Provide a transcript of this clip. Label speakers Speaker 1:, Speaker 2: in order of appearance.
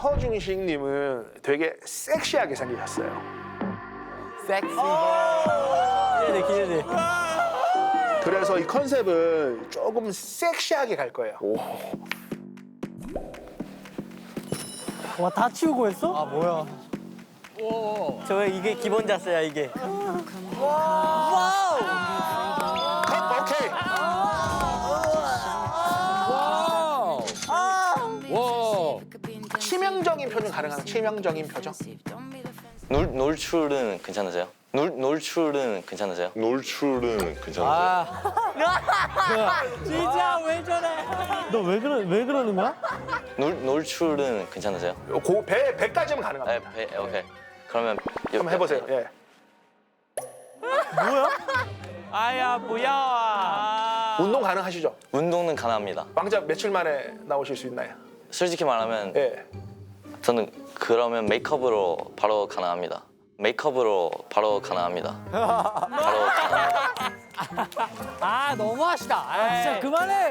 Speaker 1: 허중식님은 되게 섹시하게 생기셨어요.
Speaker 2: 섹시.
Speaker 3: 기대돼 기대돼.
Speaker 1: 그래서 이 컨셉을 조금 섹시하게 갈 거예요.
Speaker 3: 와 다 치우고 했어?
Speaker 2: 아 뭐야?
Speaker 3: 저 이게 기본 자세야 이게.
Speaker 1: 오케이.
Speaker 2: 와.
Speaker 1: 치명적인 표정 가능한 치명적인 표정?
Speaker 4: 놀출은 괜찮으세요? 놀출은 괜찮으세요?
Speaker 5: 놀출은 괜찮으세요?
Speaker 2: 아.
Speaker 3: 진짜 왜 저래? 너 왜 그러는 거야?
Speaker 4: 놀출은 괜찮으세요?
Speaker 1: 배까지는
Speaker 4: 네,
Speaker 1: 가능합니다.
Speaker 4: 오케이. 그러면
Speaker 1: 한번 해보세요. 예.
Speaker 3: 아야 뭐야?
Speaker 1: 운동 가능하시죠?
Speaker 4: 운동은 가능합니다.
Speaker 1: 왕자 며칠 만에 나오실 수 있나요?
Speaker 4: 솔직히 말하면
Speaker 1: 예.
Speaker 4: 저는 그러면 메이크업으로 바로 가능합니다. 메이크업으로 바로 가능합니다. 바로 가능합니다.
Speaker 3: 아 너무하시다. 아 진짜 그만해.